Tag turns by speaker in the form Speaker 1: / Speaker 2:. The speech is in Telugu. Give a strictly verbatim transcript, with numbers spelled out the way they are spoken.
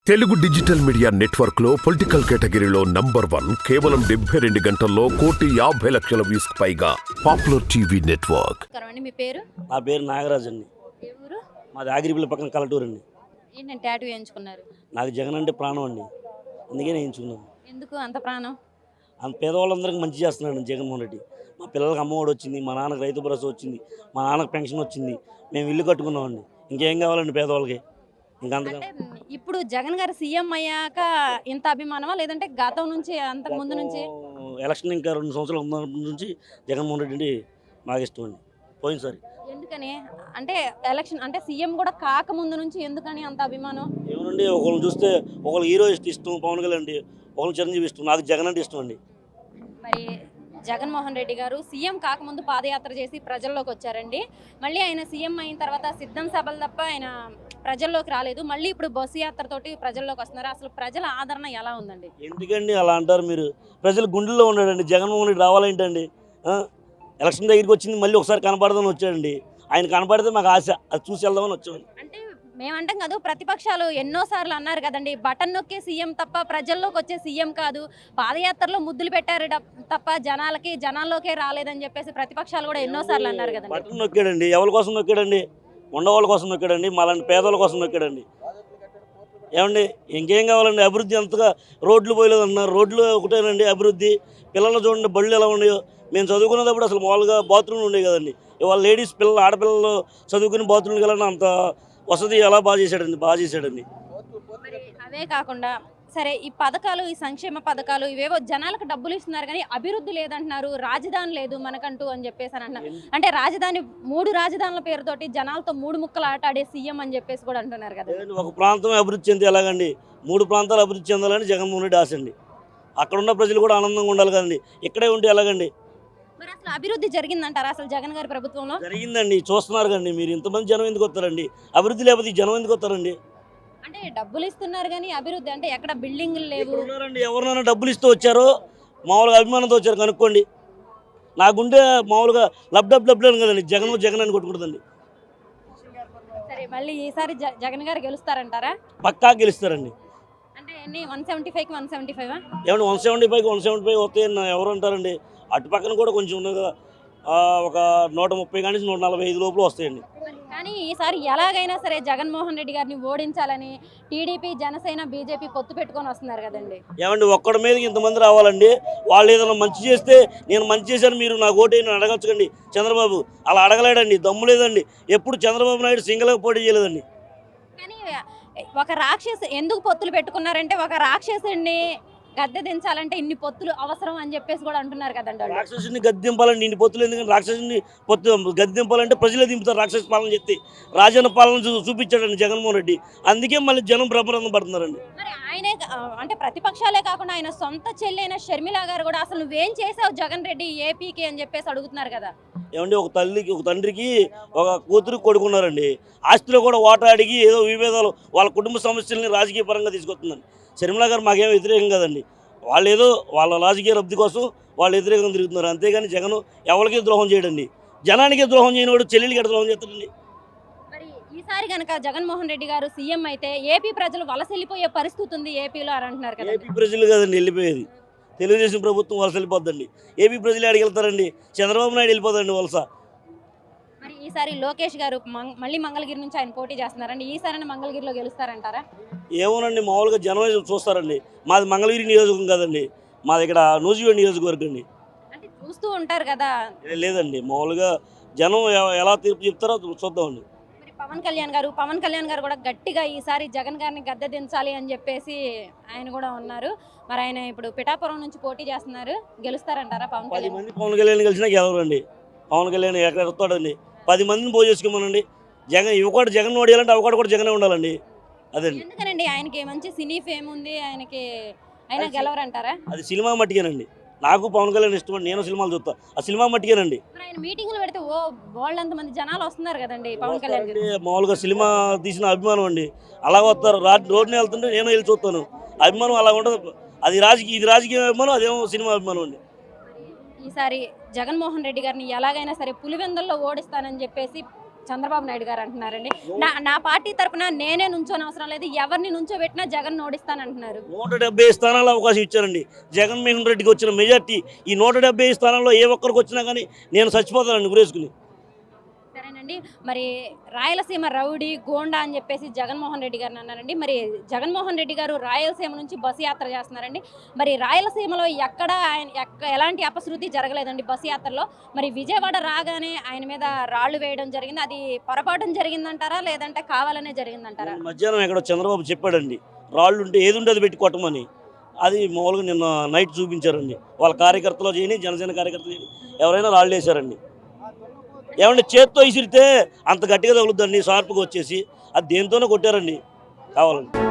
Speaker 1: తెలుగు డిజిటల్ మీడియా నెట్వర్క్ లో పొలిటికల్ కేటగిరీలో నంబర్ వన్ కేవలం డెబ్బై రెండు గంటల్లో కోటి యాభై లక్షల వ్యూస్ పైగా పాపులర్ టీవీ నెట్వర్క్.
Speaker 2: మీ పేరు?
Speaker 3: నా పేరు నాగరాజ్ అండి.
Speaker 2: ఏ ఊరు?
Speaker 3: మాది ఆగిరిపల్లి పక్కన కలటూరు అండి.
Speaker 2: ఏంటంటే టాటూ వేయించుకున్నారు?
Speaker 3: నాకు జగన్ అంటే ప్రాణం అండి, అందుకే వేయించుకున్నాను.
Speaker 2: ఎందుకు అంత ప్రాణం?
Speaker 3: అంత పేదవాళ్ళందరికీ మంచి చేస్తున్నాడు జగన్మోహన్ రెడ్డి. మా పిల్లలకి అమ్మఒడి వచ్చింది, మా నాన్నకి రైతు భరోసా వచ్చింది, మా నాన్నకి పెన్షన్ వచ్చింది, మేము ఇల్లు కట్టుకున్నామండి. ఇంకేం కావాలండి పేదవాళ్ళకి? ఇంకంతగా
Speaker 2: ఇప్పుడు జగన్ గారు సీఎం అయ్యాక ఇంత అభిమానమా, లేదంటే గతం నుంచి అంతకు ముందు నుంచి?
Speaker 3: ఎలక్షన్ ఇంకా రెండు సంవత్సరాలు ఉన్నప్పటి నుంచి జగన్మోహన్ రెడ్డి అంటే నాకు ఇష్టం అండి. పోయినసారి
Speaker 2: ఎందుకని అంటే ఎలక్షన్ అంటే సీఎం కూడా కాక ముందు నుంచి ఎందుకని అంత అభిమానం?
Speaker 3: ఏమనండి, ఒకళ్ళు చూస్తే ఒకళ్ళు హీరో ఇష్టం పవన్ కళ్యాణ్ అండి, ఒకళ్ళు చిరంజీవి ఇష్టం, నాకు జగన్ అంటే ఇష్టం అండి.
Speaker 2: మరి జగన్మోహన్ రెడ్డి గారు సీఎం కాకముందు పాదయాత్ర చేసి ప్రజల్లోకి వచ్చారండి. మళ్ళీ ఆయన సీఎం అయిన తర్వాత సిద్ధం సభలు తప్ప ఆయన ప్రజల్లోకి రాలేదు. మళ్ళీ ఇప్పుడు బస్సు యాత్రతోటి ప్రజల్లోకి వస్తున్నారు. అసలు ప్రజల ఆదరణ ఎలా ఉందండి?
Speaker 3: ఎందుకండి అలా అంటారు మీరు? ప్రజలు గుండెల్లో ఉన్నాడండి జగన్మోహన్ రెడ్డి. రావాలేంటండి? ఎలక్షన్ దగ్గరికి వచ్చింది, మళ్ళీ ఒకసారి కనపడదామని వచ్చాడండి. ఆయన కనపడితే మాకు ఆశ, అది చూసి వెళ్దామని వచ్చామండి.
Speaker 2: అంటే మేమంటాం కాదు, ప్రతిపక్షాలు ఎన్నోసార్లు అన్నారు కదండి, బటన్ నొక్కే సీఎం తప్ప ప్రజల్లోకి వచ్చే సీఎం కాదు, పాదయాత్రలో ముద్దులు పెట్టారు తప్ప జనాలకి జనాల్లోకే రాలేదని చెప్పేసి ప్రతిపక్షాలు కూడా ఎన్నోసార్లు అన్నారు కదండి.
Speaker 3: బటన్ నొక్కాడండి, ఎవరి కోసం నొక్కాడండి? ఉండవాళ్ళ కోసం నొక్కాడండి, మాలాంటి పేదల కోసం నొక్కాడండి. ఏమండి, ఇంకేం కావాలండి? అభివృద్ధి అంతగా రోడ్లు పోయలేదు అన్నారు, రోడ్లు ఒకటేనండి అభివృద్ధి. పిల్లలు చూడండి, బళ్ళు ఎలా ఉన్నాయో. మేము చదువుకునేటప్పుడు అసలు మామూలుగా బాత్రూమ్లు ఉండేవి కదండి. ఇవాళ లేడీస్ పిల్లలు ఆడపిల్లలు చదువుకుని బాత్రూమ్కి వెళ్ళిన అంత వసతి ఎలా బాగా చేశాడండి, బాగా చేశాడండి.
Speaker 2: అవే కాకుండా సరే, ఈ పథకాలు, ఈ సంక్షేమ పథకాలు ఇవేవో జనాలకు డబ్బులు ఇస్తున్నారు కానీ అభివృద్ధి లేదంటున్నారు, రాజధాని లేదు మనకంటూ అని చెప్పేసి అని అంటున్నారు. అంటే రాజధాని, మూడు రాజధానుల పేరుతోటి జనాలతో మూడు ముక్కలు ఆట ఆడే సీఎం అని చెప్పేసి కూడా అంటున్నారు కదా.
Speaker 3: ఒక ప్రాంతం అభివృద్ధి చెంది ఎలాగండి? మూడు ప్రాంతాలు అభివృద్ధి చెందాలని జగన్మోహన్ రెడ్డి ఆశ అండి. అక్కడ ఉన్న ప్రజలు కూడా ఆనందంగా ఉండాలి కదండి, ఇక్కడే ఉంటే ఎలాగండి?
Speaker 2: మరి అసలు అభివృద్ధి జరిగిందంటారా అసలు జగన్ గారి ప్రభుత్వంలో?
Speaker 3: జరిగిందండి, చూస్తున్నారు కండి మీరు. ఇంతమంది జనం ఎందుకు వస్తారండి? అభివృద్ధి లేకపోతే జనం ఎందుకు వస్తారండి?
Speaker 2: అంటే డబ్బులు ఇస్తున్నారు కానీ అభివృద్ధి అంటే ఎక్కడ బిల్డింగ్లు లేవు.
Speaker 3: ఎవరినైనా డబ్బులు ఇస్తూ వచ్చారో మామూలుగా అభిమానంతో వచ్చారు కనుక్కోండి. నాకుంటే మామూలుగా లబ్ డబ్ డబ్బులు అని కదండి, జగన్ జగన్ అని కొట్టుకుంటుందండి.
Speaker 2: సరే, మళ్ళీ ఈసారి జగన్ గారు గెలుస్తారంటారా?
Speaker 3: పక్కా గెలుస్తారండి.
Speaker 2: అంటే ఎన్ని? వన్ సెవెంటీ ఫైవ్ కి వన్ సెవెంటీ ఫైవ్
Speaker 3: ఏమండి? One seventy five one seventy five వస్తాయని ఎవరు అంటారండి? అటు పక్కన కూడా కొంచెం ఉన్నది కదా, ఒక నూట ముప్పై కానీ నూట నలభై ఐదు లోపల వస్తాయండి.
Speaker 2: కానీ ఈసారి ఎలాగైనా సరే జగన్మోహన్ రెడ్డి గారిని ఓడించాలని టీడీపీ, జనసేన, బీజేపీ పొత్తు పెట్టుకొని వస్తున్నారు కదండి.
Speaker 3: ఏమండి, ఒక్కడి మీదకి ఇంతమంది రావాలండి? వాళ్ళు ఏదైనా మంచి చేస్తే నేను మంచి చేశాను మీరు నాకు ఓటేయని అడగచ్చుకండి. చంద్రబాబు అలా అడగలేడండి, దమ్ము లేదండి. ఎప్పుడు చంద్రబాబు నాయుడు సింగిల్గా పోటీ చేయలేదండి.
Speaker 2: కానీ ఒక రాక్షసు ఎందుకు పొత్తులు పెట్టుకున్నారంటే, ఒక రాక్షసుని గద్దె దించాలంటే ఇన్ని పొత్తులు అవసరం అని చెప్పేసి కూడా అంటున్నారు కదండి.
Speaker 3: రాక్షసుని గద్దెంపాలండి ఇన్ని పొత్తులు ఎందుకంటే? రాక్షసుని పొత్తు గద్దెంపాలంటే ప్రజలే దింపుతారు. రాక్షస పాలన చెప్తే రాజన్న పాలన చూపించాడండి జగన్మోహన్ రెడ్డి, అందుకే మళ్ళీ జనం బ్రహ్మరంధం పడుతున్నారండి.
Speaker 2: మరి ఆయనే అంటే ప్రతిపక్షాలే కాకుండా ఆయన సొంత చెల్లైన షర్మిల గారు కూడా అసలు నువ్వేం చేసావు జగన్ రెడ్డి ఏపీకి అని చెప్పేసి అడుగుతున్నారు కదా.
Speaker 3: ఏమండి, ఒక తల్లికి ఒక తండ్రికి ఒక కూతురు కొడుకున్నారండి, ఆస్తిలో కూడా ఓటా అడిగి ఏదో విభేదాలు వాళ్ళ కుటుంబ సమస్యల్ని రాజకీయ పరంగా తీసుకొస్తుందండి. షర్మిల గారు మాకేం వ్యతిరేకం కదండి, వాళ్ళు ఏదో వాళ్ళ రాజకీయ లబ్ధి కోసం వాళ్ళు వ్యతిరేకంగా తిరుగుతున్నారు. అంతేగాని జగన్ ఎవరికి ద్రోహం చేయడండి, జనానికి ద్రోహం చేయనివాడు చెల్లెలికి ద్రోహం చేస్తాడండి.
Speaker 2: మరి ఈసారి కనుక జగన్మోహన్ రెడ్డి గారు సీఎం అయితే ఏపీ ప్రజలు వలస వెళ్ళిపోయే పరిస్థితి ఉంది ఏపీలో అని అంటున్నారు కదా.
Speaker 3: ఏపీ ప్రజలు కదండి వెళ్ళిపోయేది, తెలుగుదేశం ప్రభుత్వం వలస వెళ్ళిపోద్దండి. ఏపీ ప్రజలు ఆడికి వెళ్తారండి? చంద్రబాబు నాయుడు వెళ్ళిపోదండి వలస.
Speaker 2: మరి ఈసారి లోకేష్ గారు మళ్ళీ మంగళగిరి నుంచి ఆయన పోటీ చేస్తున్నారండి, ఈసారి మంగళగిరిలో గెలుస్తారంటారా?
Speaker 3: ఏమోనండి, మామూలుగా జనం చూస్తారండి. మాది మంగళగిరి నియోజకవర్గం కదండి, మాది ఇక్కడ నూజివీడు నియోజకవర్గం అండి.
Speaker 2: అంటే చూస్తూ ఉంటారు కదా.
Speaker 3: లేదండి, మామూలుగా జనం ఎలా తీర్పు చెప్తారో చూద్దామండి.
Speaker 2: మరి పవన్ కళ్యాణ్ గారు పవన్ కళ్యాణ్ గారు కూడా గట్టిగా ఈసారి జగన్ గారిని గద్దె దించాలి అని చెప్పేసి ఆయన కూడా ఉన్నారు. మరి ఆయన ఇప్పుడు పిఠాపురం నుంచి పోటీ చేస్తున్నారు, గెలుస్తారంటారా పవన్
Speaker 3: పది
Speaker 2: కళ్యాణ్?
Speaker 3: మంది పవన్ కళ్యాణ్ కలిసినా గెలవరండి. పవన్ కళ్యాణ్ ఎక్కడ వస్తాడండి? పది మందిని పోయి చేసుకోమనండి. జగన్ ఇవ్వకూడ జగన్ ఓడియాలంటే అవకాడు కూడా జగనే ఉండాలండి. అదండి.
Speaker 2: ఎందుకనండి? ఆయనకి మంచి సినీ ఫేమ్ ఉంది, ఆయనకి ఆయన గెలవరంటారా?
Speaker 3: అది సినిమా మట్టికేనండి. నాకు పవన్ కళ్యాణ్ ఇష్టం, నేను సినిమాలు చూస్తా, ఆ సినిమా మట్టికేనండి.
Speaker 2: ఆయన మీటింగ్లు పెడితే ఓ బోల్డ్ మంది జనాలు వస్తున్నారు కదండి పవన్ కళ్యాణ్ గారు.
Speaker 3: మామూలుగా సినిమా తీసిన అభిమానం అండి, అలా వస్తారు. రోడ్ని వెళ్తుంటే నేను వెళ్ళి చూస్తాను, అభిమానం అలా ఉండదు. అది రాజకీయ, ఇది రాజకీయ అభిమానం, అదేమో సినిమా అభిమానం అండి.
Speaker 2: ఈసారి జగన్మోహన్ రెడ్డి గారిని ఎలాగైనా సరే పులివెందుల్లో ఓడిస్తానని చెప్పేసి చంద్రబాబు నాయుడు గారు అంటున్నారండి. నా నా పార్టీ తరపున నేనే నుంచోని అవసరం లేదు, ఎవరిని నుంచోబెట్టినా జగన్ ఓడిస్తానంటున్నారు.
Speaker 3: నూట డెబ్బై స్థానాల్లో అవకాశం ఇచ్చారండి జగన్మోహన్ రెడ్డికి వచ్చిన మెజార్టీ. ఈ నూట డెబ్బై స్థానాల్లో ఏ ఒక్కరికి వచ్చినా కానీ నేను చచ్చిపోతానండి గురేసుకుని.
Speaker 2: సరేనండి, మరి రాయలసీమ రౌడీ గోండా అని చెప్పేసి జగన్మోహన్ రెడ్డి గారిని అన్నారండి. మరి జగన్మోహన్ రెడ్డి గారు రాయలసీమ నుంచి బస్సు యాత్ర చేస్తున్నారండి. మరి రాయలసీమలో ఎక్కడ ఆయన ఎక్క ఎలాంటి అపశృతి జరగలేదండి బస్సు యాత్రలో. మరి విజయవాడ రాగానే ఆయన మీద రాళ్లు వేయడం జరిగింది. అది పొరపాటున జరిగిందంటారా లేదంటే కావాలనే జరిగిందంటారా?
Speaker 3: మధ్యాహ్నం ఎక్కడో చంద్రబాబు చెప్పాడండి రాళ్ళు ఉంటే ఏది ఉంటే అది పెట్టి కొట్టమని. అది మామూలుగా నిన్న నైట్ చూపించారండి. వాళ్ళ కార్యకర్తలు చేయని జనసేన కార్యకర్తలు చేయని ఎవరైనా రాళ్ళు వేశారండి. ఏమంటే చేత్తో ఇసిరితే అంత గట్టిగా తగులుద్దండి షార్ప్గా వచ్చేసి. అది దేంతోనే కొట్టారండి కావాలండి.